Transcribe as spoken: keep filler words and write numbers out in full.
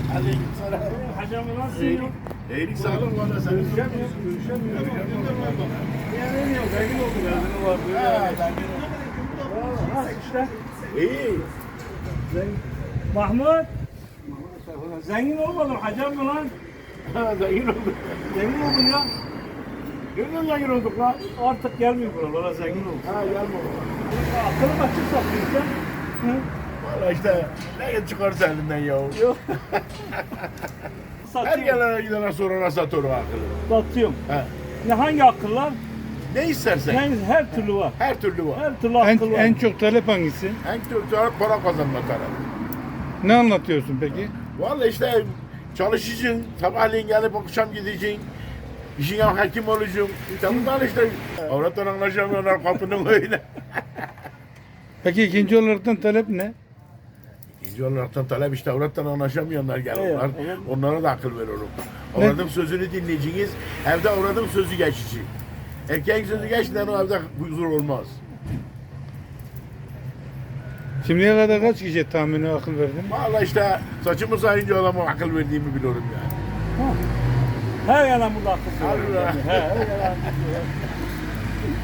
Aleykümselam. Hacım nasılsın? İyilik sağlık valla senin. Görüşemiyoruz, görüşemiyoruz. Yani yok, zengin oldu, benzini var. Ha, zengin oldu. Ha işte. İyi. Zengin. Mahmut. Zengin olmadım, hacım mı lan? Ha, zengin olduk. Zengin oldun ya. Nereden zengin olduk lan? Artık gelmiyor buralara, zengin oldum. Ha, gelme oğlum. Akıllı açık satıyorsun sen. Hı? Valla işte ne çıkarsa elinden ya. Yok. Her Satıyorum. gelene gidene sorana satıyor o akıllı. Satıyorum. Ha. Ne hangi akıllar? Ne istersen. Yani her türlü var. Her türlü var. Her türlü En, akıl var. en çok talep hangisi? En türlü para kazanma tarafı. Ne anlatıyorsun peki? Valla işte çalışacaksın, sabahleyin gelip akşam gideceksin. İşine hakim olacaksın. İşte bunlar işte. Avrattan anlaşamıyorlar kapının önüne. Peki ikinci olaraktan talep ne? İkinci olaraktan talep işte avrattan anlaşamayanlar geliyorlar. Evet, Onlara da akıl veriyorum. Avradın sözünü dinleyeceğiniz, evde avradın sözü geçici. Erkeğin sözü geçmeden o evde huzur olmaz. Şimdiye kadar kaç kişiye tahmini akıl verdin? Valla işte saçımı sayınca adama akıl verdiğimi biliyorum yani. Her yana burada akıl var. Allah. He, her yana akıl var.